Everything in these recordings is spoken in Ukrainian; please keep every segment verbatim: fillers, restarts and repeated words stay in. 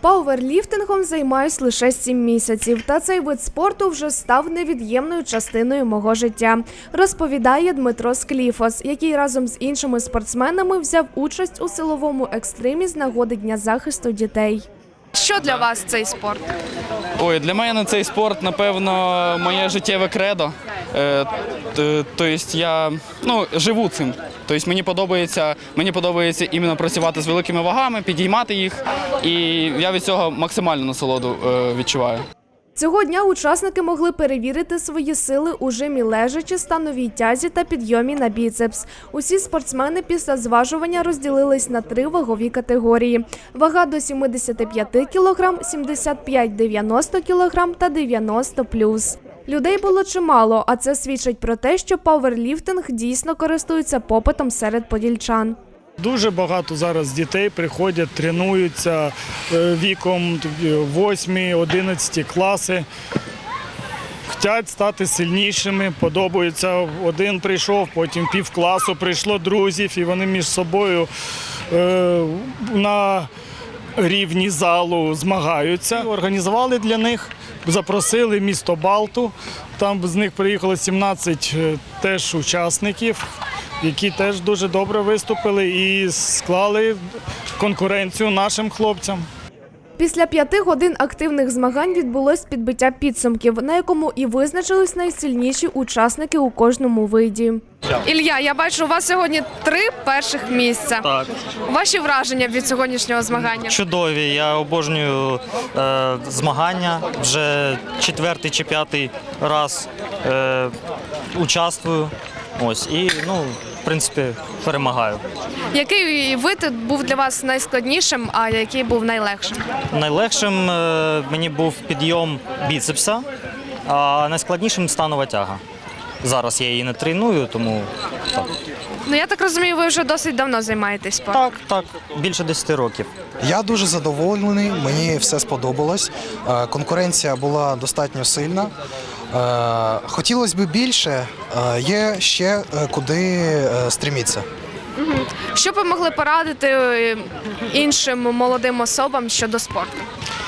Пауерліфтингом займаюсь лише сім місяців, та цей вид спорту вже став невід'ємною частиною мого життя, розповідає Дмитро Скліфос, який разом з іншими спортсменами взяв участь у силовому екстримі з нагоди Дня захисту дітей. Що для вас цей спорт? Ой, для мене цей спорт, напевно, моє життєве кредо. Е, Тобто я ну, живу цим. Тобто мені подобається, мені подобається іменно працювати з великими вагами, підіймати їх, і я від цього максимальну насолоду е, відчуваю. Цього дня учасники могли перевірити свої сили у жимі лежачи, становій тязі та підйомі на біцепс. Усі спортсмени після зважування розділились на три вагові категорії. Вага до сімдесят п'ять кілограм, сімдесят п'ять - дев'яносто кілограм та дев'яносто плюс. Людей було чимало, а це свідчить про те, що пауерліфтинг дійсно користується попитом серед подільчан. Дуже багато зараз дітей приходять, тренуються віком восьмі-одинадцяті класи. Хочуть стати сильнішими, подобається. Один прийшов, потім півкласу прийшло друзів, і вони між собою на рівні залу змагаються. Організували для них, запросили місто Балту, там з них приїхало сімнадцять теж учасників, які теж дуже добре виступили і склали конкуренцію нашим хлопцям. Після п'яти годин активних змагань відбулось підбиття підсумків, на якому і визначились найсильніші учасники у кожному виді. Ілля, я бачу, у вас сьогодні три перших місця. Так. Ваші враження від сьогоднішнього змагання? Чудові. Я обожнюю е, змагання. Вже четвертий чи п'ятий раз е, участвую. Ось, і, ну, в принципі, перемагаю. Який вид був для вас найскладнішим, а який був найлегшим? Найлегшим е, мені був підйом біцепса, а найскладнішим станова тяга. Зараз я її не треную, тому так. Ну, я так розумію, ви вже досить давно займаєтесь спортом. Так, так, більше десяти років. Я дуже задоволений, мені все сподобалось. Конкуренція була достатньо сильна. Хотілося б більше, є ще куди стремитися. Що б ви могли порадити іншим молодим особам щодо спорту?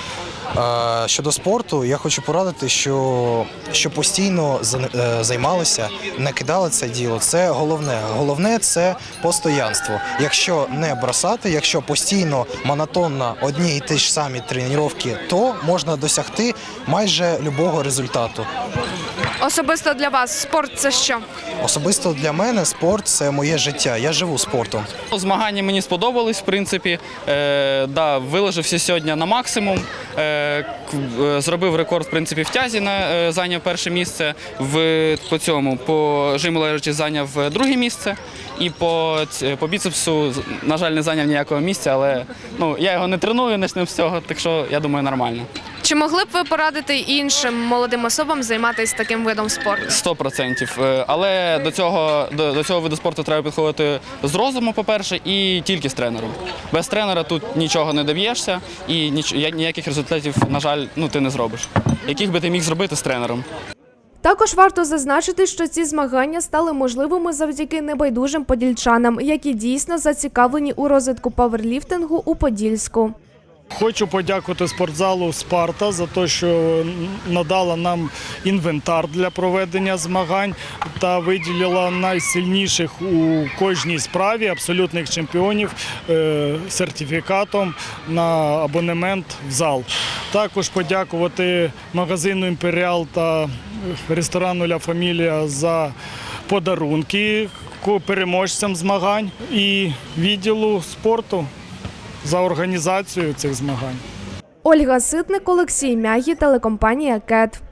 Щодо спорту, я хочу порадити, що, що постійно займалися, не кидали це діло. Це головне. Головне – це постоянство. Якщо не бросати, якщо постійно, монотонно одні і ті ж самі тренування, то можна досягти майже будь-якого результату. Особисто для вас спорт – це що? Особисто для мене спорт – це моє життя. Я живу спортом. Змагання мені сподобались, в принципі. Е, да, виложився сьогодні на максимум. Е, зробив рекорд, в принципі, в тязі, на, е, зайняв перше місце. В, по цьому, по жиму лежачи зайняв друге місце. І по, по біцепсу, на жаль, не зайняв ніякого місця, але ну, я його не треную, почнемо з цього, так що, я думаю, нормально. Чи могли б ви порадити іншим молодим особам займатися таким видом спорту? Сто процентів. Але до цього, до, до цього виду спорту треба підходити з розуму, по-перше, і тільки з тренером. Без тренера тут нічого не доб'єшся і ніч, ніяких результатів, на жаль, ну, ти не зробиш. Яких би ти міг зробити з тренером? Також варто зазначити, що ці змагання стали можливими завдяки небайдужим подільчанам, які дійсно зацікавлені у розвитку пауерліфтингу у Подільську. Хочу подякувати спортзалу «Спарта» за те, що надала нам інвентар для проведення змагань та виділила найсильніших у кожній справі абсолютних чемпіонів сертифікатом на абонемент в зал. Також подякувати магазину «Імперіал» та ресторану «Ля Фамілія» за подарунки переможцям змагань і відділу спорту за організацію цих змагань. Ольга Ситник, Олексій Мягі, телекомпанія «Кет».